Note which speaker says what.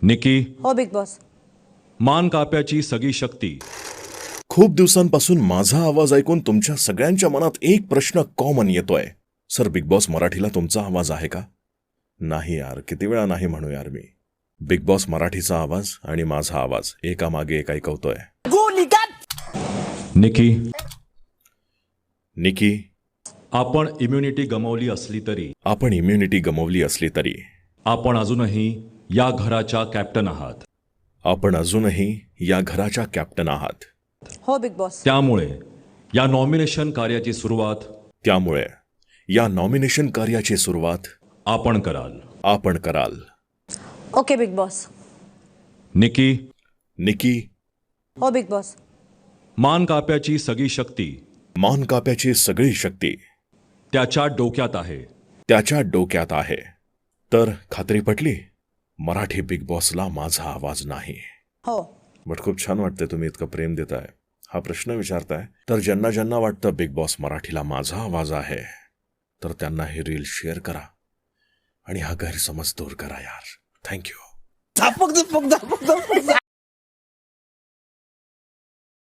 Speaker 1: निकी,
Speaker 2: हो big boss.
Speaker 1: मान काप्याची सगळी शक्ती.
Speaker 3: खूप दिवसांपासून माझा आवाज ऐकून तुमच्या सगळ्यांच्या मनात एक प्रश्न कॉमन येतोय. सर, बिग बॉस मराठीला तुमचा आवाज आहे का? नाही यार, किती वेळा नाही म्हणू यार मी. बिग बॉस मराठीचा आवाज आणि माझा आवाज एकामागे एक ऐकवतोय.
Speaker 1: निकी,
Speaker 3: निकी,
Speaker 1: आपण इम्युनिटी गमावली असली तरी
Speaker 3: आपण इम्युनिटी गमावली असली तरी
Speaker 1: आपण अजूनही या घराच्या कॅप्टन आहात.
Speaker 3: आपण अजूनही या घराच्या कॅप्टन आहात.
Speaker 2: हो बिग बॉस.
Speaker 1: त्यामुळे या नॉमिनेशन कार्याची सुरुवात
Speaker 3: त्यामुळे या नॉमिनेशन कार्याची सुरुवात
Speaker 1: आपण कराल.
Speaker 3: आपण कराल.
Speaker 2: Okay big boss.
Speaker 1: Nikki,
Speaker 3: Nikki,
Speaker 2: हो बिग बॉस.
Speaker 1: मान काप्याची सगळी शक्ती
Speaker 3: मान काप्याची सगळी शक्ती
Speaker 1: त्याच्या डोक्यात आहे.
Speaker 3: त्याच्या डोक्यात आहे. तर खात्री पटली? मराठी बिग बॉसला माझा आवाज नाही.
Speaker 2: हो.
Speaker 3: बट खूप छान वाटतंय तुम्ही इतकं प्रेम देताय, हा प्रश्न विचारताय. तर ज्यांना ज्यांना वाटतं बिग बॉस मराठीला माझा आवाज आहे, तर त्यांना हे रील शेअर करा आणि हा गैरसमज दूर करा यार. थँक्यू.